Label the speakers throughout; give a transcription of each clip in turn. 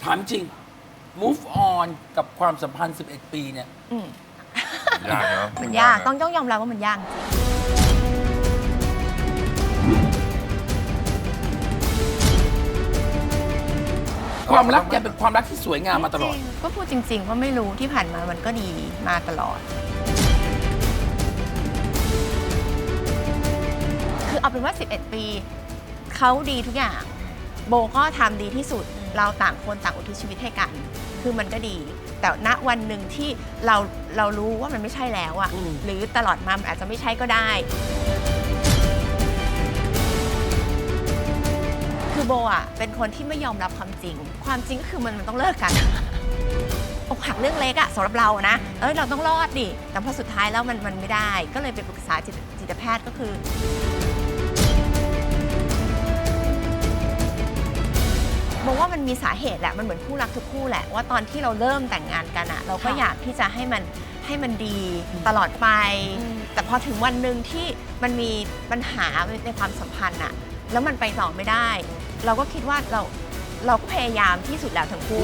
Speaker 1: ถามจริง move on กับความสัมพันธ์ 11 ปีเนี่ย
Speaker 2: ยากเนาะ
Speaker 3: มันยากต้องยอมรับว่ามันยากจริง
Speaker 1: ความรักแกเป็นความรักที่สวยงามมาตลอด
Speaker 3: จริงๆก็พูดจริง ๆ ว่าไม่รู้ที่ผ่านมามันก็ดีมาตลอด คือเอาเป็นว่า 11 ปีเขาดีทุกอย่าง โบก็ทำดีที่สุด เราต่างคนต่างอุทิศชีวิตให้กัน คือมันก็ดี แต่ณวันหนึ่งที่เรารู้ว่ามันไม่ใช่แล้วอะ
Speaker 1: อืม
Speaker 3: หรือตลอดมามันอาจจะไม่ใช่ก็ได้ คือโบอะเป็นคนที่ไม่ยอมรับความจริง ความจริงก็คือมันต้องเลิกกัน อกหักเรื่องเล็กอะสำหรับเรานะเราต้องรอดดิแต่พอสุดท้ายแล้วมันไม่ได้ ก็เลยไปปรึกษาจิตแพทย์ก็คือบอกว่ามันมีสาเหตุแหละมันเหมือนคู่รักทุกคู่แหละว่าตอนที่เราเริ่มแต่งงานกันอะเราก็อยากที่จะให้มันดีตลอดไป แต่พอถึงวันหนึ่งที่มันมีปัญหาในความสัมพันธ์อะแล้วมันไปต่อไม่ได้ เราก็คิดว่าเราก็พยายามที่สุดแล้วทั้งคู่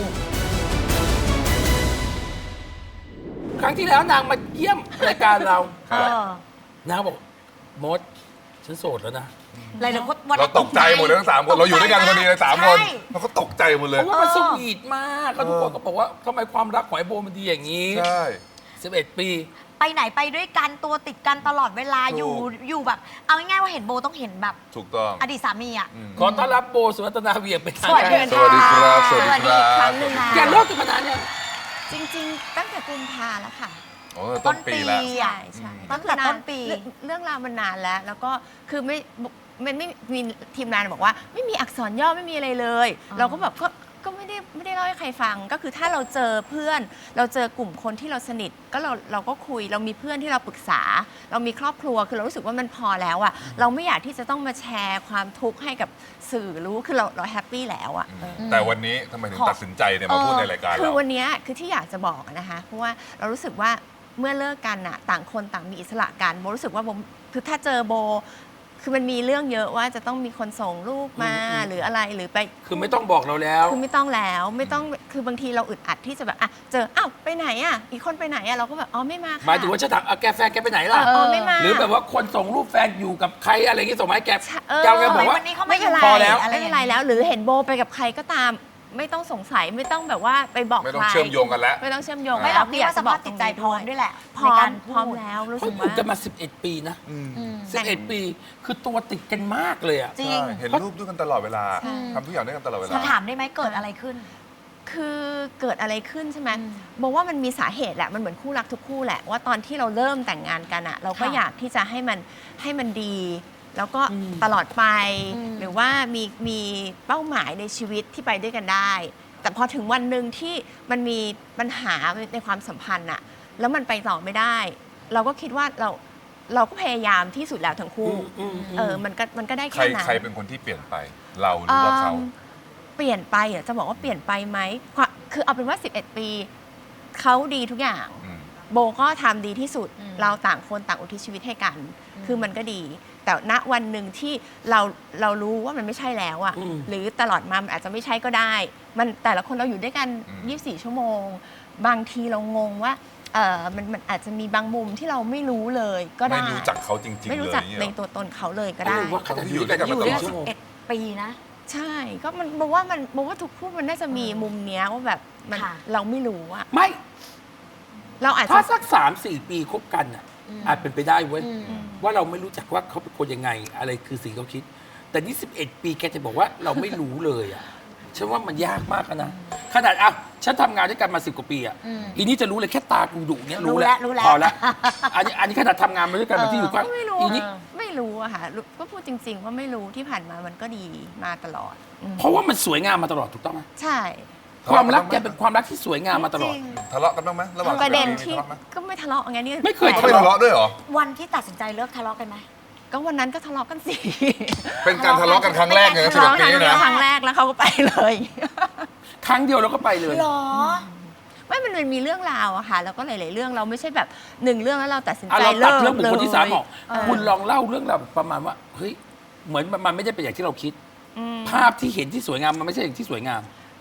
Speaker 1: ครั้งที่แล้วนางมาเยี่ยมรายการเรา
Speaker 2: ครับ
Speaker 1: นางบอกมดฉันโสดแล้วนะ
Speaker 4: อะไรนะวัน
Speaker 2: เราตกใจหมดเลยทั้ง3 คนเราอยู่ด้วยกันพอดีเลย3 คน
Speaker 4: ใช่
Speaker 2: เราก็ตกใจหมดเล
Speaker 1: เพ
Speaker 2: ย
Speaker 1: ราะว่ามันสวีทมากแล้วทุกคนก็บอกว่าทำไมความรักของไอโบมันดีอย่างนี้
Speaker 2: ใช่
Speaker 1: 11 ปี
Speaker 4: ไปไหนไปด้วยกันตัวติดกันตลอดเวลา
Speaker 2: ถูก
Speaker 4: อยู่แบบ เอาง่ายๆว่าเห็นโบต้องเห็นแบบ
Speaker 2: ถูกต้อง
Speaker 4: อดีตสามีอ่ะ
Speaker 2: อืม
Speaker 1: ขอต้อนรับโบสุวัฒนาเวียงเป็นทาง
Speaker 4: สวัสดี
Speaker 1: การ
Speaker 2: สวัสดีครับสวัสดีครับ
Speaker 4: อีกครั้งหนึ่งนะ
Speaker 1: แกเลิกกันมานานยัง
Speaker 3: จริงๆ ตั้งแต่กุมภาแล้วค่ะ
Speaker 2: โอ้ต้นปีแล้ว
Speaker 3: ใช่ใช่
Speaker 4: ตั้งแต่ต้นปี
Speaker 3: เรื่องราวมันนานแล้ว แล้วก็คือมันไม่มีทีมงานบอกว่าไม่มีอักษรย่อไม่มีอะไรเลย เราก็แบบก็ไม่ได้เล่าให้ใครฟัง ก็คือถ้าเราเจอเพื่อน เราเจอกลุ่มคนที่เราสนิทก็เราก็คุยเรามีเพื่อนที่เราปรึกษา เรามีครอบครัวคือเรารู้สึกว่ามันพอแล้วอะเราไม่อยากที่จะต้องมาแชร์ความทุกข์ให้กับสื่อรู้คือเราแฮปปี้แล้วอะ
Speaker 2: แต่วันนี้ทำไมถึงตัดสินใจเนี่ยมาพูดในรายการ
Speaker 3: คือ
Speaker 2: เรา
Speaker 3: วันเนี้ยคือที่อยากจะบอกอะนะคะเพราะว่าเรารู้สึกว่าเมื่อเลิกกันอะต่างคนต่างมีอิสระกันโบรู้สึกว่าโบคือถ้าเจอโบคือมันมีเรื่องเยอะว่าจะต้องมีคนส่งรูปมาหรืออะไรหรือไป
Speaker 1: คือไม่ต้องบอกเราแล้ว
Speaker 3: คือไม่ต้องแล้วไม่ต้องคือบางทีเราอึดอัดที่จะแบบอ่ะเจออ้าวไปไหนอ่ะอีกคนไปไหนอ่ะเราก็แบบอ๋อไม่มาค่ะ
Speaker 1: หมายถึงว่าฉันถามแกแฟนแกไปไหนล่ะ
Speaker 3: อ๋อไม่มา
Speaker 1: หรือแบบว่าคนส่งรูปแฟนอยู่กับใครอะไรอย่างงี้ส่งมาให้แก
Speaker 3: เออ
Speaker 1: แกแกบอกว่า
Speaker 4: วันนี้เขา
Speaker 3: ไม่
Speaker 4: ไม่
Speaker 3: เป็นไร
Speaker 1: พอแล้ว
Speaker 3: ไม่เป็นไรแล้ว หรือเห็นโบไปกับใครก็ตาม ไม่ต้องสงสัยไม่ต้องแบบว่าไปบอก
Speaker 2: ไม่ต้อง
Speaker 3: ใคร
Speaker 2: เชื่อมโยงกันแล้ว
Speaker 3: ไม่ต้องเชื่อมโยง
Speaker 4: ไม่หรอก
Speaker 3: แล้ว
Speaker 4: พี่ว่าสภาพจิตใจพร้อมด้วยแหละ
Speaker 3: พร้อ
Speaker 4: ใน
Speaker 3: ม
Speaker 4: การ
Speaker 3: พร้อม
Speaker 4: พูด
Speaker 3: แล้วรู้
Speaker 1: เขา
Speaker 3: สึก
Speaker 1: อยู่
Speaker 3: ว่า
Speaker 1: กันมา 11 ปีนะ
Speaker 4: อืม
Speaker 1: 11 ปี คือตัวติดกันมากเลยอะ
Speaker 4: จริง
Speaker 2: ใช่เห็นรูปด้วยกันตลอดเวลา
Speaker 3: ใช่
Speaker 2: ทำทุกอย่างด้วยกันตลอดเวลา
Speaker 4: มาถามได้ไหมเกิดอะไรขึ้น
Speaker 3: คือเกิดอะไรขึ้นใช่ไหม
Speaker 4: อืม
Speaker 3: บอกว่ามันมีสาเหตุแหละมันเหมือนคู่รักทุกคู่แหละว่าตอนที่เราเริ่มแต่งงานกันอะเราก็
Speaker 4: ค่ะ
Speaker 3: อยากที่จะให้มันดี แล้วก็
Speaker 1: อืม
Speaker 3: ตลอดไป
Speaker 4: อืม
Speaker 3: หรือว่ามีเป้าหมายในชีวิตที่ไปด้วยกันได้ แต่พอถึงวันหนึ่งที่มันมีปัญหาในความสัมพันธ์อะแล้วมันไปต่อไม่ได้ เราก็คิดว่าเราก็พยายามที่สุดแล้วทั้งคู่ มันก็ได้
Speaker 2: ใคร
Speaker 3: แค่นั้น
Speaker 2: ใครเป็นคนที่เปลี่ยนไป เราหรือว่าเขา
Speaker 3: เปลี่ยนไปเหรอจะบอกว่าเปลี่ยนไปไหมคือเอาเป็นว่า 11 ปีเขาดีทุกอย่าง
Speaker 2: อืม
Speaker 3: โบก็ทำดีที่สุด เราต่างคนต่างอุทิศชีวิตให้กัน คือมันก็ดี แต่ณวันหนึ่งที่เรารู้ว่ามันไม่ใช่แล้วอะ
Speaker 1: อืม
Speaker 3: หรือตลอดมามันอาจจะไม่ใช่ก็ได้ มันแต่ละคนเราอยู่ด้วยกัน 24 ชั่วโมง บางทีเรางงว่ามันอาจจะมีบางมุมที่เราไม่รู้เลยก็ได้
Speaker 2: ไม่รู้จักเขาจริงๆ
Speaker 3: ไม่
Speaker 2: เล
Speaker 3: รู้
Speaker 2: ย
Speaker 3: จัก
Speaker 2: เนี่ย
Speaker 3: ใน
Speaker 2: เหรอ
Speaker 3: ตัวตนเขาเลยก็ได้
Speaker 1: ว่าขนาด
Speaker 2: อยู่ด้วยกันมาตลอด
Speaker 1: 24 ชั่วโมง
Speaker 4: 11 ปีนะ
Speaker 3: ใช่ ก็มันบอกว่าทุกคู่มันน่าจะมีมุมเนี้ยว่าแบบมัน
Speaker 4: ค่ะ
Speaker 3: เราไม่รู้อะ
Speaker 1: ไม่
Speaker 3: เราอาจ
Speaker 1: ถ้า
Speaker 3: จะ
Speaker 1: สัก 3-4 ปีคบกันอะอาจเป็นไปได้เว้ย ว่าเราไม่รู้จักว่าเขาเป็นคนยังไง อะไรคือสิ่งเขาคิด แต่นี่ 11 ปีแกจะบอกว่าเราไม่รู้เลยอะฉันว่ามันยากมากอะนะ ขนาดอ่ะฉันทำงานด้วยกันมา 10 กว่าปีอะ
Speaker 4: อืม
Speaker 1: อีนี่จะรู้เลยแค่ตากูดุเนี้ย
Speaker 4: รู้
Speaker 1: รู้
Speaker 4: แล้ว
Speaker 1: แล้ว
Speaker 4: รู้แล้ว
Speaker 1: พอแล้วอันนี้ขนาดทำงานมาด้วยกันแบบที่อยู่ก็
Speaker 3: ก็ไม่รู้
Speaker 1: อีนี่
Speaker 3: ไม่รู้อะค่ะก็พูดจริง ๆ ว่าไม่รู้ที่ผ่านมามันก็ดีมาตลอด
Speaker 1: เพราะว่ามันสวยงามมาตลอดถูกต้องไหม
Speaker 3: ใช่
Speaker 1: ความรักแกเป็นความรักที่สวยงามมาตลอด
Speaker 4: จริง
Speaker 2: ทะเลาะกันบ้างไหมระหว่าง
Speaker 3: ประเด็น
Speaker 2: สามี
Speaker 3: ที่
Speaker 2: ทะเลาะไหม
Speaker 3: ก็ไม่ทะเลาะไงนี่
Speaker 1: ไม่เคย
Speaker 2: เขาไม่ทะเลาะด้วยเหรอ
Speaker 4: วันที่ตัดสินใจเลิกทะเลาะกันไหม
Speaker 3: ก็วันนั้นก็ทะเลาะกันสิ
Speaker 2: เป็นการทะเลาะกันครั้งแรกเลยนะ
Speaker 3: ทะเลาะ
Speaker 2: 11
Speaker 3: กั
Speaker 2: ปี
Speaker 3: น
Speaker 2: นะ
Speaker 3: ครั้งแรกแล้วเขาก็ไปเลย
Speaker 1: ครั้งเดียวเราก็ไปเลย
Speaker 4: หรอ
Speaker 3: ไม่มันมีเรื่องราวอะค่ะแล้วก็หลาย ๆ เรื่องเราไม่ใช่แบบหนึ่งเรื่องแล้วเราตัดสิน
Speaker 1: อ่ะ
Speaker 3: ใจ
Speaker 1: เราตั
Speaker 3: เลิ
Speaker 1: ด
Speaker 3: ก
Speaker 1: เรื่องบุคคลที่สามออก
Speaker 3: เออ
Speaker 1: คุณลองเล่าเรื่องราวประมาณว่าเฮ้ยเหมือนมันไม่ได้เป็นอย่างที่เราคิด
Speaker 3: อืม
Speaker 1: ภาพที่เห็นที่สวยงามมันไม่ใช่อย่างที่สวยงาม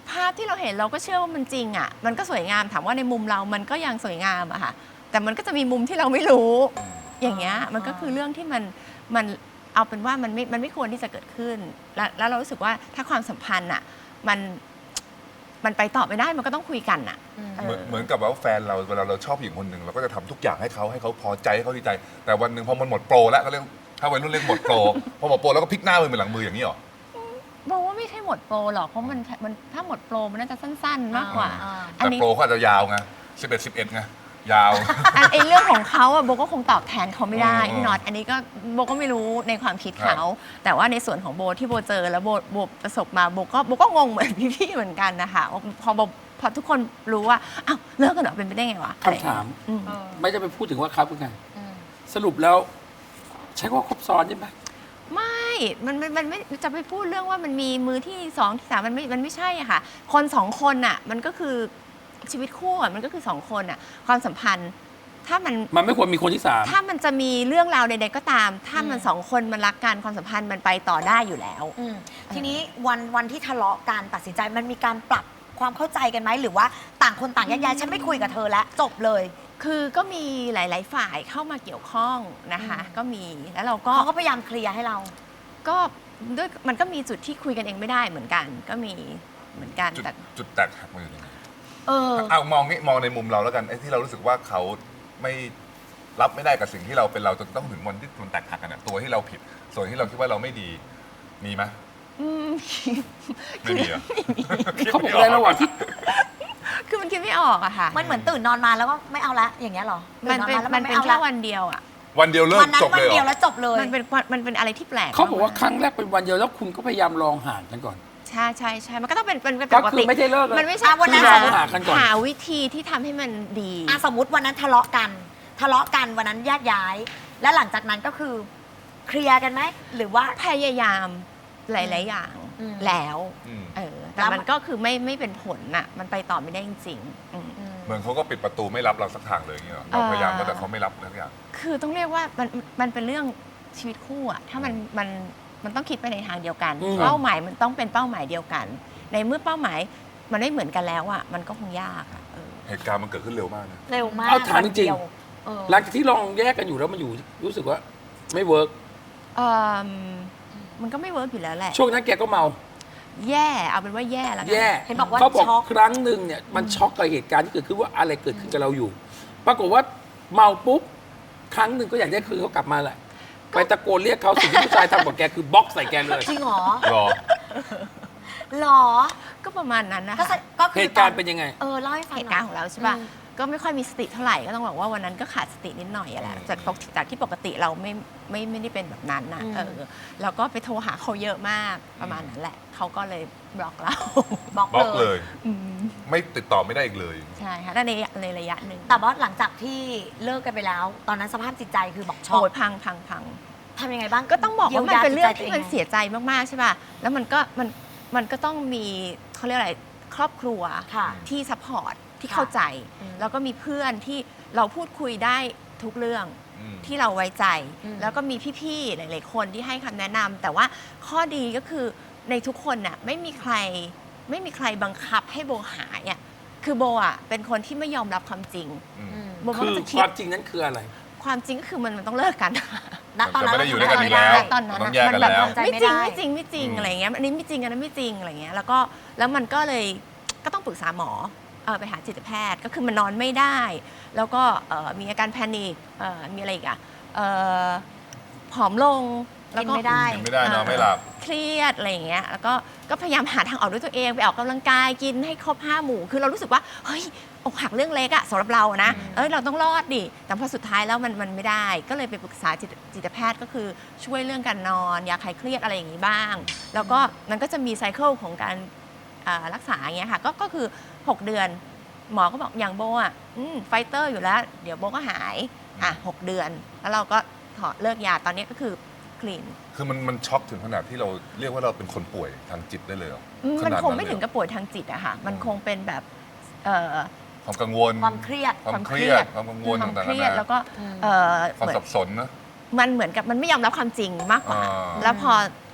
Speaker 3: ภาพที่เราเห็นเราก็เชื่อว่ามันจริงอ่ะมันก็สวยงามถามว่าในมุมเรามันก็ยังสวยงามอะค่ะแต่มันก็จะมีมุมที่เราไม่รู้อย่างเงี้ยมันก็คือเรื่องที่มันเอาเป็นว่ามันไม่ควรที่จะเกิดขึ้นแล้วเรารู้สึกว่าถ้าความสัมพันธ์อ่ะมันไปต่อไม่ได้มันก็ต้องคุยกันอ่ะ
Speaker 2: เหมือนกับว่าแฟนเราเวลาเราชอบผู้หญิงคนหนึ่งเราก็จะทำทุกอย่างให้เขาพอใจให้เขาดีใจ แต่วันหนึ่งพอมันหมดโปรแล้วเขาเรียกถ้าวัยรุ่นเรียกหมดโปร พอหมดโปรแล้วก็พลิกหน้ามือเป็นหลังมืออย่างนี้หรอ
Speaker 3: บอกว่าไม่ใช่หมดโปรหรอกเพราะมันถ้าหมดโปรมันน่าจะสั้นๆ มากกว่า อัน
Speaker 2: แต่
Speaker 3: นี้
Speaker 2: โปรเขาอาจจะยาวไง11 ไงยาว
Speaker 3: ไอ้เรื่องของเขาอะโบก็คงตอบแทนเขาไม่ได้
Speaker 2: อืม
Speaker 3: พี่น็อตอันนี้ก็โบก็ไม่รู้ในความคิดเขา แต่ว่าในส่วนของโบที่โบเจอแล้วโบประสบมาโบก็งงเหมือนพี่ๆเหมือนกันนะคะพอทุกคนรู้ว่าอ้าวเลิกกันเหรอเป็นไปได้ไงวะ
Speaker 1: คำถาม
Speaker 3: อืม
Speaker 1: ไม่จะไปพูดถึงว่าเขาเป็นไงสรุปแล้ว ใช้ว่าครบซ้อนใช่ไหม
Speaker 3: ไม่มันไม่จะไปพูดเรื่องว่ามันมีมือที่สองที่สามมันไม่ใช่อะค่ะ คนสองคนอะมันก็คือชีวิตคู่อะมันก็คือสองคนอะความสัมพันธ์ถ้ามัน
Speaker 1: มันไม่ควรมีคนที่สาม
Speaker 3: ถ้ามันจะมีเรื่องราวใดๆก็ตาม ถ้ามันสองคนมันรักกันความสัมพันธ์มันไปต่อได้อยู่แล้ว
Speaker 4: ทีนี้วันที่ทะเลาะกันตัดสินใจมันมีการปรับความเข้าใจกันไหมหรือว่าต่างคนต่างแยกย้ายฉันไม่คุยกับเธอแล้วจบเลย
Speaker 3: คือก็มีหลายๆฝ่ายเข้ามาเกี่ยวข้องนะคะ ก็มีแล้วเราก็
Speaker 4: เขาก็พยายามเคลียร์ให้เรา
Speaker 3: ก็ด้วยมันก็มีจุดที่คุยกันเองไม่ได้เหมือนกัน ก็มีเหมือนกันแต่
Speaker 2: จุดแตกหักมันอยู่ตรงไหน
Speaker 4: เออ
Speaker 2: เอามองในมุมเราแล้วกันไอ้ที่เรารู้สึกว่าเขาไม่รับไม่ได้กับสิ่งที่เราเป็นเราจนต้องถึงวันที่มันแตกหักกันอะตัวที่เราผิด ส่วนที่เราคิดว่าเราไม่ดีมีไหม
Speaker 3: อืม
Speaker 2: ไม่มีเหรอ
Speaker 1: เขาบอกอะไรระหว่างที่
Speaker 3: คือมันคิดไม่ออกอะค่ะ
Speaker 4: มันเหมือนตื่นนอนมาแล้วก็ไม่เอาละอย่างเงี้ยเหรอ
Speaker 3: มันเป็น
Speaker 4: ตื่อ
Speaker 3: มันเป็น
Speaker 4: ไอา
Speaker 3: แค่
Speaker 4: ละ
Speaker 3: วันเดียวอะ
Speaker 2: วันเดียวเลิ
Speaker 4: วั
Speaker 2: ก
Speaker 4: นนั้น
Speaker 2: จบ
Speaker 4: วัน
Speaker 2: เลยเหร
Speaker 4: เดียว
Speaker 2: อ
Speaker 4: แล้วจบเลย
Speaker 3: มันเป็นอะไรที่แปลก
Speaker 1: เขาบอกว่าครั้งแรกเป็นวันเดียวแล้วคุณก็พยายามลองห่างกันก่อน
Speaker 3: ใช่มันก็ต้องเป็นป
Speaker 1: ก็
Speaker 3: ก
Speaker 1: คื
Speaker 3: ติ
Speaker 1: อไม่ได้เลิกเลย
Speaker 3: มันไม่ใช่
Speaker 4: วันนั้น
Speaker 1: คือลองหากันก่อน
Speaker 3: หาวิธีที่ทำให้มันดี
Speaker 4: สมมติวันนั้นทะเลาะกันวันนั้นแยกย้าย แล้วหลังจากนั้นก็คือเคลียร์กันไหมหรือว่า
Speaker 3: พยายามหลาย ๆ อย่าง
Speaker 4: อืม
Speaker 3: แล้ว
Speaker 2: อืม
Speaker 3: แต่
Speaker 4: แล้ว
Speaker 3: มันก็คือไม่เป็นผลน่ะมันไปต่อไม่ได้จริงๆ
Speaker 2: เหมือนเขาก็ปิดประตูไม่รับเราสักทางเลยอย่างเงี้ยเหรอเราพยายามแล้วแต่เขาไม่รับสักอย่าง
Speaker 3: คือต้องเรียกว่ามันเป็นเรื่องชีวิตคู่อะถ้ามันต้องคิดไปในทางเดียวกัน
Speaker 1: อืม
Speaker 3: เป้าหมายมันต้องเป็นเป้าหมายเดียวกัน ในเมื่อเป้าหมายมันไม่เหมือนกันแล้วอะมันก็คงยากอะ
Speaker 2: เหตุการณ์มันเกิดขึ้นเร็วมากนะ
Speaker 4: เร็วมาก
Speaker 1: เอาถามจริงๆ
Speaker 4: วันเดียวเออ
Speaker 1: หลังจากที่ลองแยกกันอยู่แล้วมันอยู่รู้สึกว่าไม่เวิร์ก
Speaker 3: เอิ่มมันก็ไม่เวิร์กอยู่แล้วแหละ
Speaker 1: ช่วงนั้นแกก็เมา
Speaker 3: แย่เอาเป็นว่าแย่แล้วกั
Speaker 1: แย่
Speaker 4: เห็นบอกว่า
Speaker 1: เขาบอก
Speaker 4: ช็อก
Speaker 1: ครั้งหนึ่งเนี่ยมันช็อกกับเหตุการณ์ที่เกิดขึ้นว่าอะไรเกิดขึ้นกับเราอยู่ ปรากฏว่าเมาปุ๊บครั้งหนึ่งก็อยากได้คืนเขากลับมาแหละไปตะโกนเรียกเขาสิ่งที่ผู้ชายทำกับแกคือบล็อกใส่แกเลย
Speaker 4: จริงเหรอ
Speaker 2: รอ
Speaker 4: หรอ
Speaker 3: ก็ประมาณนั้นนะ
Speaker 4: ก็
Speaker 3: คะ
Speaker 4: ก็คื
Speaker 1: เห
Speaker 4: อ
Speaker 1: ตุการณ์เป็นยังไง
Speaker 4: เล่าให้ฟัง
Speaker 3: เห
Speaker 4: ห
Speaker 3: ตุ
Speaker 4: น่
Speaker 3: การ
Speaker 4: อย
Speaker 3: ณ์ของเราใช่ป่ะ
Speaker 4: อืม
Speaker 3: ก็ไม่ค่อยมีสติเท่าไหร่ก็ต้องบอกว่าวันนั้นก็ขาดสตินิดหน่อยอะแหละจากที่ปกติเราไม่ได้เป็นแบบนั้นนะแล้วก็ไปโทรหาเขาเยอะมากประมาณนั้นแหละเขาก็เลยบล็อกเรา
Speaker 4: บล็อก
Speaker 2: บล็อก
Speaker 4: เล
Speaker 2: เลย ย ไม่ติดต่อไม่ได้อีกเลย
Speaker 3: ใช่ค่ะแต่ในระยะหนึ่ง
Speaker 4: แต่ว่าหลังจากที่เลิกกันไปแล้ว ตอนนั้นสภาพจิตใจคือบอกช็อก
Speaker 3: โอ้ยพัง
Speaker 4: ทำยังไงบ้าง
Speaker 3: ก็ต้องบอกว่ามันเป็นเรื่องที่มัน
Speaker 4: ยียวยาจิตใจตัว
Speaker 3: เสียใจมากๆใช่ป่ะแล้วมันก็ต้องมีเขาเรียกอะไรครอบครัว
Speaker 4: ค่ะ
Speaker 3: ที่ซัพพอร์ตที่
Speaker 4: ค่ะ
Speaker 3: เข้าใจ
Speaker 4: อืม
Speaker 3: แล้วก็มีเพื่อนที่เราพูดคุยได้ทุกเรื่อง
Speaker 2: อืม
Speaker 3: ที่เราไว้ใจ
Speaker 4: อืม
Speaker 3: แล้วก็มีพี่ๆหลายๆคนที่ให้คำแนะนำแต่ว่าข้อดีก็คือในทุกคนน่ะไม่มีใครบังคับให้โบหายอ่ะคือโบอ่ะเป็นคนที่ไม่ยอมรับความจริง
Speaker 2: อืม
Speaker 4: อืม
Speaker 3: โบ
Speaker 1: คื
Speaker 3: ก็
Speaker 1: อ
Speaker 3: จะ
Speaker 1: ค
Speaker 3: คิด
Speaker 1: วามจริงนั้นคืออะไร
Speaker 3: ความจริงก็คือมันต้องเลิกกัน
Speaker 4: ณตอนนั้น
Speaker 2: มันจะไม่ได้อยู่ด้วยกันอีกแล้ว
Speaker 3: ตอนนั้น
Speaker 2: ต้อง
Speaker 3: อะ
Speaker 2: แยก
Speaker 3: มั
Speaker 2: กัน
Speaker 3: แบบ
Speaker 2: แล้ว
Speaker 4: ใจ
Speaker 3: ไม่
Speaker 4: ไม่
Speaker 3: จริง
Speaker 4: ได้
Speaker 3: ไม่จริงไม่จริง
Speaker 2: อืม
Speaker 3: อะไรเงี้ยอันนี้ไม่จริงอันนั้นไม่จริงอะไรเงี้ยแล้วมันก็เลยก็ต้องปรึกษาหมอไปหาจิตแพทย์ก็คือมันนอนไม่ได้ แล้วก็มีอาการแพนิคมีอะไรอีกอ่ะผอมลงแล้วก็
Speaker 4: กินไม่ได้
Speaker 2: กินไม่ได้นอนไม่หลับ
Speaker 3: เครียดอะไรอย่างเงี้ยแล้วก็พยายามหาทางออกด้วยตัวเองไปออกกำลังกายกินให้ครบ5 หมู่คือเรารู้สึกว่าเฮ้ยอกหักเรื่องเล็กอะสำหรับเรานะเราต้องรอดดิแต่พอสุดท้ายแล้วมันไม่ได้ก็เลยไปปรึกษาจิตแพทย์ก็คือช่วยเรื่องการนอนยาคลายเครียดอะไรอย่างนี้บ้าง แล้วก็มันก็จะมีไซเคิลของการรักษาอย่างเงี้ยค่ะก็คือ 6 เดือน หมอก็บอกอย่างโบอ่ะไฟเตอร์อยู่แล้วเดี๋ยวโบก็หาย6 เดือนแล้วเราก็ถอดเลิกยาตอนนี้ก็คือคลีน
Speaker 2: คือมันช็อกถึงขนาดที่เราเรียกว่าเราเป็นคนป่วยทางจิตได้เลยเหรอ
Speaker 3: มัน
Speaker 2: ขนาด
Speaker 3: คงไม่ถึง
Speaker 2: เลยเหรอ
Speaker 3: กับป่วยทางจิตอะค่ะมันคงเป็นแบบ
Speaker 2: ความกังวล
Speaker 4: ความเครียด
Speaker 2: ความเครียดความกังวล
Speaker 3: ความ
Speaker 2: ต่าง
Speaker 3: เค
Speaker 2: ๆ
Speaker 3: รี
Speaker 2: นาย
Speaker 3: ด
Speaker 2: นา
Speaker 3: แล้วก็
Speaker 4: อืม
Speaker 2: ความ
Speaker 3: เหมือน
Speaker 2: สับสนนะ
Speaker 3: มันเหมือนกับมันไม่ยอมรับความจริงมากกว่า
Speaker 2: อ่า
Speaker 3: แล้วพอ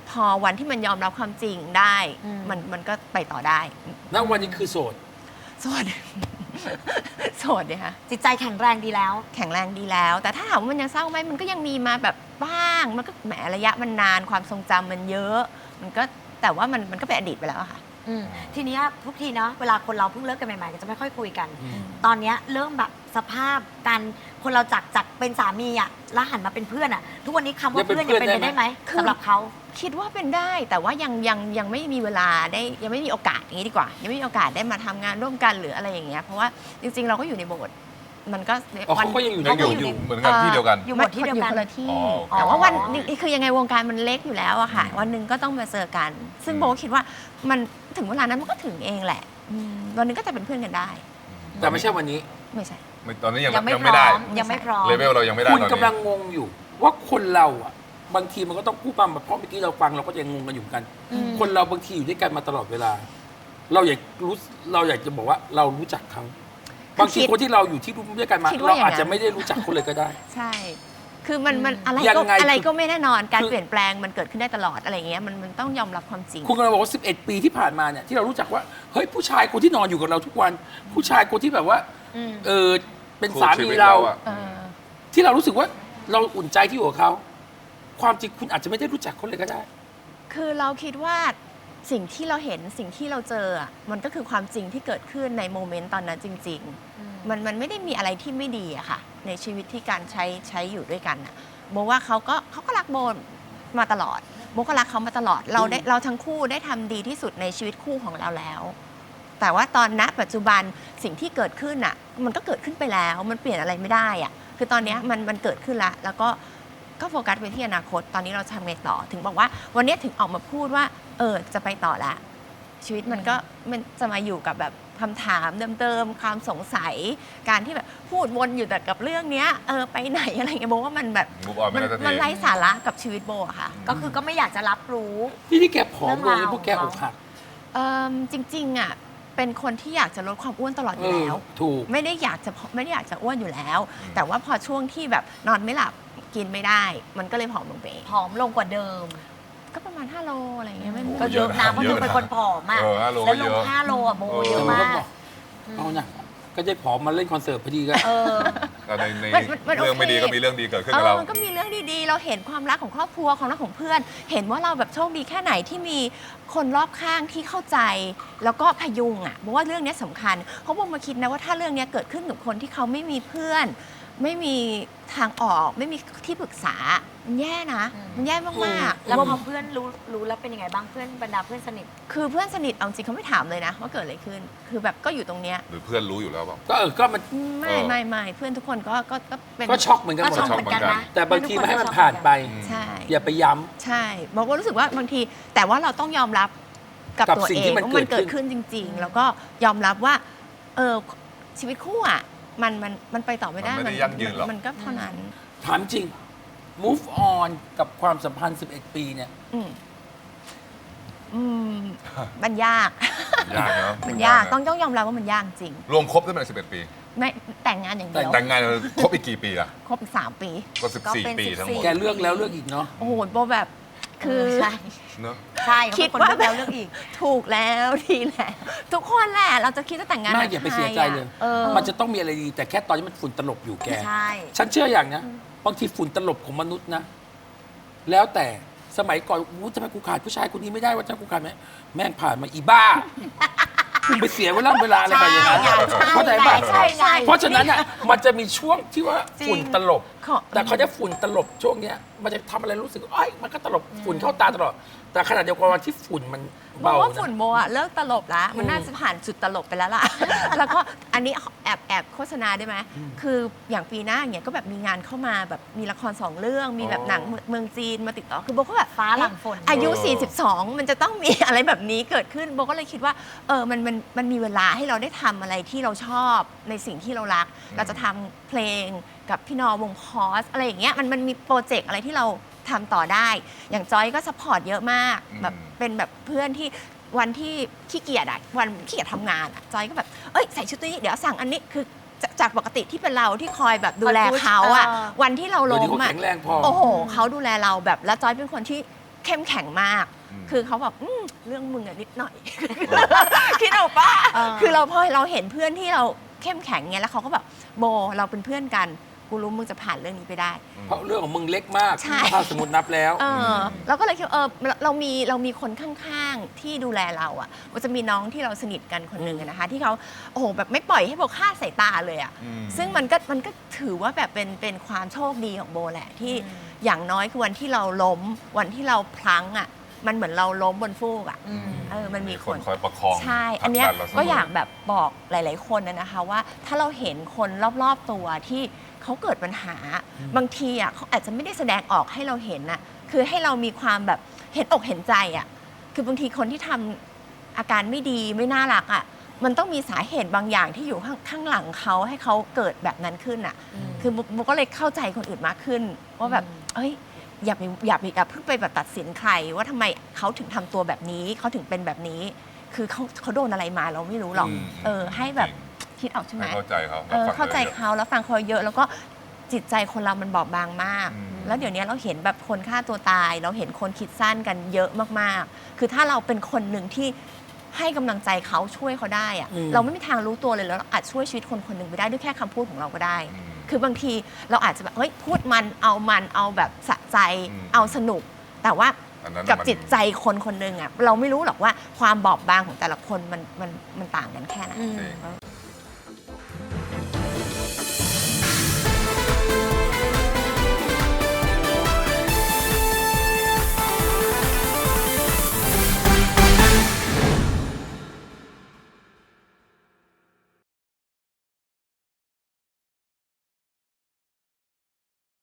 Speaker 3: พอวันที่มันยอมรับความจริงได้ มันก็ไปต่อได้
Speaker 1: ณวันนี้คือโสด
Speaker 3: โสด โสดเนี่ยค่ะ
Speaker 4: จิตใจแข็งแรงดีแล้ว
Speaker 3: แข็งแรงดีแล้ว แต่ถ้าถามว่ามันยังเศร้าไหมมันก็ยังมีมาแบบบ้าง มันก็แหมระยะมันนานความทรงจำมันเยอะ มันก็แต่ว่ามันก็เป็นอดีตไปแล้วอะค่ะ
Speaker 4: ทีเนี้ยทุกทีเนาะเวลาคนเราเพิ่งเลิกกันใหม่ๆก็จะไม่ค่อยคุยกัน ตอนเนี้ยเริ่มแบบสภาพการคนเราจากเป็นสามีอะแล้วหันมาเป็นเพื่อนอะทุกวันนี้คำว่าเพื่อนยังเป็นไปได้ไหม
Speaker 3: คือ
Speaker 4: สำหรับเขา
Speaker 3: คิดว่าเป็นได้แต่ว่ายังไม่มีเวลาได้ยังไม่มีโอกาสอย่างนี้ดีกว่า ยังไม่มีโอกาสได้มาทำงานร่วมกันหรืออะไรอย่างเงี้ยเพราะว่าจริงๆเราก็อยู่ในโบสถ์มันก็
Speaker 1: อ๋อเขาก็ยังอยู่ใน
Speaker 2: ยังอยู่เหมือนกันที่เดียวกัน
Speaker 4: อยู่หมดที่เดียวกัน
Speaker 3: คนละที่
Speaker 2: อ๋อ
Speaker 3: แต่ว่าวันนี้คือยังไงวงการมันเล็กอยู่แล้วอะค่ะ วันหนึ่งก็ต้องมาเจอกัน ซึ่งโบก็คิดว่ามันถึงเวลานั้นมันก็ถึงเองแหละวันหนึงก็จะเป็นเพื่อนกันได้
Speaker 1: แต่ไม่ใช่วันนี้
Speaker 3: ไม่ใช่
Speaker 2: ตอนนี้ยัง
Speaker 4: ยังไม่
Speaker 2: ยัง
Speaker 4: พ
Speaker 2: ไม่
Speaker 4: ร้
Speaker 2: ได้
Speaker 4: อมยังไม่พร้อม
Speaker 2: เลเวลเรายังไม่ได้
Speaker 1: คุณ
Speaker 2: ตอน
Speaker 1: กำลั
Speaker 2: นี้
Speaker 1: งงงอยู่ ว่าคนเราอ่ะบางทีมันก็ต้องพูดมาเพราะเมื่อกี้เราฟังเราก็ยังงงกันอยู่เหมือนกัน คนเราบางทีอยู่ด้วยกันมาตลอดเวลา เราอยากจะบอกว่าเรารู้จักเขาบางทีคนที่เราอยู่ที่ร่วมด้วยกันมา
Speaker 3: คิดว่า
Speaker 1: เรา
Speaker 3: อย่างนั้น
Speaker 1: อาจจะไม่ได้รู้จักเขาเลยก็ได้
Speaker 3: ใช่ คือมันอะไร
Speaker 1: ยั
Speaker 3: ก็
Speaker 1: งไง
Speaker 3: อะไรก็ไม่แน่นอน การ
Speaker 1: คือ
Speaker 3: เปลี่ยนแปลงมันเกิดขึ้นได้ตลอดอะไรเงี้ยมันต้องยอมรับความจริง
Speaker 1: คุณกำลังบอกว่า 11 ปีที่ผ่านมาเนี่ยที่เรารู้จักว่าเฮ้ยผู้ชายคนที่นอนอยู่กับเราทุกวัน ผู้ชายคนที่แบบว่าเป็นสามีเรา
Speaker 3: เออ
Speaker 1: ที่เรารู้สึกว่าเราอุ่นใจที่อยู่กับเขาความจริงคุณอาจจะไม่ได้รู้จักเขาเลยก็ได้
Speaker 3: คือเราคิดว่าสิ่งที่เราเห็นสิ่งที่เราเจออะมันก็คือความจริงที่เกิดขึ้นในโมเมนต์ตอนนั้นจริง ๆ มันไม่ได้มีอะไรที่ไม่ดีอะค่ะ ในชีวิตที่การใช้อยู่ด้วยกันอะโบว่าเขาก็รักโบมาตลอดโบก็รักเขามาตลอดเราทั้งคู่ได้ทำดีที่สุดในชีวิตคู่ของเราแล้ว แต่ว่าตอนณปัจจุบันสิ่งที่เกิดขึ้นอ่ะมันก็เกิดขึ้นไปแล้วมันเปลี่ยนอะไรไม่ได้อ่ะคือตอนเนี้ยมันเกิดขึ้นแล้วก็โฟกัสไปที่อนาคตตอนนี้เราทำไงต่อถึงบอกว่าวันนี้ถึงออกมาพูดว่าจะไปต่อละชีวิตมันจะมาอยู่กับแบบคำถามเดิมๆความสงสัยการที่แบบพูดวนอยู่แต่กับเรื่องเนี้ยไปไหนอะไรเงี้ยโบว่ามันแบบ
Speaker 2: Move on ไม่ได้สักที
Speaker 3: มันไร้สาระกับชีวิตโบอะค่ะ
Speaker 4: ก็คือก็ไม่อยากจะรับรู้
Speaker 1: ที่แกผอมลง
Speaker 4: เรื่องราว
Speaker 1: พวกแกอกหัก
Speaker 3: จริงๆอ่ะเป็นคนที่อยากจะลดความอ้วนตลอดอยู่แล้ว
Speaker 1: ถูก
Speaker 3: ไม่ได้อยากจะอ้วนอยู่แล้ว แต่ว่าพอช่วงที่แบบนอนไม่หลับกินไม่ได้ มันก็เลยผอมลงไปเอง
Speaker 4: ผอมลงกว่าเดิม
Speaker 3: ก็ประมาณ5 โลอะไรอย่างเงี้ยไม่
Speaker 4: ก็เยอะนะเพราะเธอเป็นคนผอมอะ
Speaker 2: 5 โล
Speaker 4: แล้
Speaker 2: ก็
Speaker 4: วล
Speaker 2: เย
Speaker 4: ง
Speaker 2: อะ
Speaker 4: 5 โลอะโบเย
Speaker 1: แต่
Speaker 4: อะ
Speaker 1: มันก็
Speaker 4: มาก
Speaker 1: บอกเอานะก็ได้ผอมมาเล่นคอนเสิร์ตพอดีก็
Speaker 2: แต่ใน
Speaker 3: มัน
Speaker 2: เรื่องไม่ดี
Speaker 3: โอเค
Speaker 2: ก็มีเรื่องดีเกิดขึ้นกับเรา
Speaker 3: มันก็มีเรื่องดีๆ เราเห็นความรักของครอบครัวความรักของเพื่อน เห็นว่าเราแบบโชคดีแค่ไหนที่มีคนรอบข้างที่เข้าใจ แล้วก็พยุงอ่ะเพราะว่าเรื่องนี้สำคัญเพราะผมมาคิดนะว่าถ้าเรื่องนี้เกิดขึ้นกับคนที่เขาไม่มีเพื่อน ไม่มีทางออกไม่มีที่ปรึกษามันแย่นะมันแย่มากๆ
Speaker 4: แล้วพอเพื่อนรู้แล้วเป็นยังไงบ้างเพื่อนบรรดาเพื่อนสนิท
Speaker 3: คือเพื่อนสนิทเอาจริงเขาไม่ถามเลยนะว่าเกิดอะไรขึ้น คือแบบก็อยู่ตรงเนี้ย
Speaker 2: หรือเพื่อนรู้อยู่แล้วเปล่า
Speaker 1: ก็มัน
Speaker 3: ไม่เพื่อนทุกคนก็เป็น
Speaker 1: ก็ช็อกเหมือนกันหมด
Speaker 4: ก็ช็อกเหมือนกันนะ
Speaker 1: แต่บางทีไม่ให้มันผ่านไป
Speaker 3: ใช่
Speaker 1: อย่าไปย้
Speaker 3: ใช่บอกว่ารู้สึกว่าบางทีแต่ว่าเราต้องยอมรับกับ
Speaker 1: กับ
Speaker 3: ตัว
Speaker 1: สิ่ง
Speaker 3: เอ
Speaker 1: ที่
Speaker 3: ง
Speaker 1: มัน
Speaker 3: ว่ามัน
Speaker 1: เกิ
Speaker 3: เกิ
Speaker 1: ด
Speaker 3: ด
Speaker 1: ขึ้
Speaker 3: ขึ้
Speaker 1: น
Speaker 3: นจริง ๆ แล้วก็ยอมรับว่าชีวิตคู่อ่ะมันไปต่อไม่ได้
Speaker 2: มันไม่ได้ยั่งยืนหรอก
Speaker 3: มันก็เท่านั้น
Speaker 1: ำถามจริง move on กับความสัมพันธ์ 11 ปีเนี่ย
Speaker 3: อืมมันยาก
Speaker 2: ยากเนาะ
Speaker 3: มันยากต้องยอมรับว่ามันยากจริง
Speaker 2: รวมครบได้เป็น11 ปี
Speaker 3: ไม่แต่งงานอย่างเดียว
Speaker 2: แต่งงานครบอีกกี่ปีล่ะ
Speaker 3: ครบอีก3 ปี
Speaker 2: ก็
Speaker 4: ก็เป็น
Speaker 2: 14 ปีทั้งหมด
Speaker 1: แกเลือกแล้วเลือกอีกเนาะ
Speaker 3: โอ้โหโบแบบคือ
Speaker 4: ใช่
Speaker 2: เนอะ
Speaker 4: ใช่
Speaker 3: คิด
Speaker 4: เขา
Speaker 3: ว่า
Speaker 4: เป็นคนเลือกแล้วเลือกอีก
Speaker 3: ถูกแล้วดีแล้วทุกคนแหละเราจะคิดจะแต่งงาน
Speaker 1: ไม่
Speaker 3: กับ
Speaker 1: อย่าไป
Speaker 3: ใคร
Speaker 1: เสียใจเลย
Speaker 3: อะ
Speaker 1: มันจะต้องมีอะไรดี แต่แค่ตอนนี้มันฝุ่นตลบอยู่แก
Speaker 4: ใช่
Speaker 1: ฉันเชื่ออย่างนะบางทีฝุ่นตลบของมนุษย์นะ แล้วแต่สมัยก่อนทำไมกูขาดผู้ชายคนนี้ไม่ได้ว่าจะกูขาดไหมแม่งผ่านมาอีบ้าคุณไปเสียเวลาอะไรไปอย่างนั้น
Speaker 4: ใช่
Speaker 1: เข้าใจป่ะ
Speaker 4: ใช่ใช่
Speaker 1: เพราะฉะนั้นอ่ะมันจะมีช่วงที่ว่าฝุ่นตลบ
Speaker 3: ขอ
Speaker 1: แต่เขาจะฝุ่นตลบช่วงเนี้ยมันจะทำอะไรรู้สึกเอ้ยมันก็ตลบฝุ่นเข้าตาตลอด แต่ขณะเดียวกันวันที่ฝุ่นมัน
Speaker 3: บอก
Speaker 1: เบา
Speaker 3: ว่า
Speaker 1: นะ
Speaker 3: ฝุ่นโบอะเลิกตลบแล้ว มันน่าจะผ่านจุดตลบไปแล้วล่ะ แล้วก็อันนี้แอบโฆษณาได้ไหมคืออย่างปีหน้าอย่างเงี้ยก็แบบมีงานเข้ามาแบบมีละคร2 เรื่อง มีแบบหนังเมืองจีนมาติดต่อคือโบก็แบบ
Speaker 4: ฟ้าหลังฝน
Speaker 3: อายุ 42 มันจะต้องมีอะไรแบบนี้เกิดขึ้นโบก็เลยคิดว่ามันมีเวลาให้เราได้ทำอะไรที่เราชอบในสิ่งที่เรารัก เราจะทำเพลงกับพี่นอวงพอสอะไรอย่างเงี้ยมันมีโปรเจกต์อะไรที่เราทำต่อได้ อย่างจอยก็ซัพพอร์ตเยอะมากแบบเป็นแบบเพื่อนที่วันที่ขี้เกียจอะวันขี้เกียจทำงานอะจอยก็แบบใส่ชุดตัวนี้เดี๋ยวสั่งอันนี้คือจากปกติที่เป็นเราที่คอยแบบดูแลเขาอะวันที่เรา
Speaker 1: เดี๋ยว
Speaker 3: ล้
Speaker 1: นี้
Speaker 3: ม
Speaker 1: เขา
Speaker 3: อะ
Speaker 1: แข็งแรงพอ
Speaker 3: โอ้โหเขาดูแลเราแบบแล้วจอยเป็นคนที่เข้มแข็งมาก
Speaker 2: อืม
Speaker 3: คือเขาแบบเรื่องมึงอะนิดหน่อย คิดเอาป่ะ คือเราพอเราเห็นเพื่อนที่เราเข้มแข็งเงี้ยแล้วเขาก็แบบโบเราเป็นเพื่อนกันกูรู้มึงจะผ่านเรื่องนี้ไปได้
Speaker 1: เพราะเรื่องของมึงเล็กมาก
Speaker 3: ใช่
Speaker 1: ถ้าสมมตินับแล้ว
Speaker 3: เราก็เลยคิดว่าเรามีคนข้างๆที่ดูแลเราอ่ะมันจะมีน้องที่เราสนิทกันคนหนึ่งอะนะคะ ที่เขาโอ้โหแบบไม่ปล่อยให้โบฆ่าสายตาเลยอ่ะ
Speaker 2: อืม
Speaker 3: ซึ่งมันก็ถือว่าแบบเป็นความโชคดีของโบแหละที่อย่างน้อยคือวันที่เราล้มวันที่เราพลั้งอ่ะมันเหมือนเราล้มบนฟูกอ่ะมันมี
Speaker 2: มี
Speaker 3: ค
Speaker 2: คน นคอยประคอง
Speaker 3: ใช่
Speaker 2: ผลั
Speaker 3: อันเนี้ย
Speaker 2: ดัเรเสม
Speaker 3: ก็อยากแบบบอกหลาย ๆ คนนะคะว่าถ้าเราเห็นคนรอบ ๆ ตัวที่เขาเกิดปัญหา บางทีอ่ะเขาอาจจะไม่ได้แสดงออกให้เราเห็นน่ะคือให้เรามีความแบบเห็นอกเห็นใจอ่ะคือบางทีคนที่ทำอาการไม่ดีไม่น่ารักอ่ะมันต้องมีสาเหตุบางอย่างที่อยู่ข้างหลังเขาให้เขาเกิดแบบนั้นขึ้นอ่ะคือโบก็เลยเข้าใจคนอื่นมากขึ้นว่าแบบเอ้ยอย่าเพิ่งไปแบบตัดสินใครว่าทำไมเขาถึงทำตัวแบบนี้เขาถึงเป็นแบบนี้ คือเขาโดนอะไรมาเราไม่รู้หรอกให้แบบคิดออกใช่ไหม
Speaker 2: ให้เข้าใจเขา
Speaker 3: เข้าใจเขาแล้วฟังเขาเยอะแล้วก็จิตใจคนเรามันบอบบางมาก
Speaker 2: อืม
Speaker 3: แล้วเดี๋ยวนี้เราเห็นแบบคนฆ่าตัวตาย เราเห็นคนคิดสั้นกันเยอะมากๆ คือถ้าเราเป็นคนหนึ่งที่ให้กำลังใจเขาช่วยเขาได้อะเราไม่มีทางรู้ตัวเลยแล้วเราอาจช่วยชีวิตคนคนหนึ่งไปได้ด้วยแค่คำพูดของเราก็ได้ คือบางทีเราอาจจะแบบเฮ้ยพูดมันเอาแบบสะใจเอาสนุก แต่ว่า
Speaker 2: อันนั้น
Speaker 3: กับ
Speaker 2: มัน
Speaker 3: จิตใจคนคนหนึ่งอ่ะเราไม่รู้หรอกว่าความบอบบางของแต่ละคนมันต่างกันแค่ไหน
Speaker 2: จริง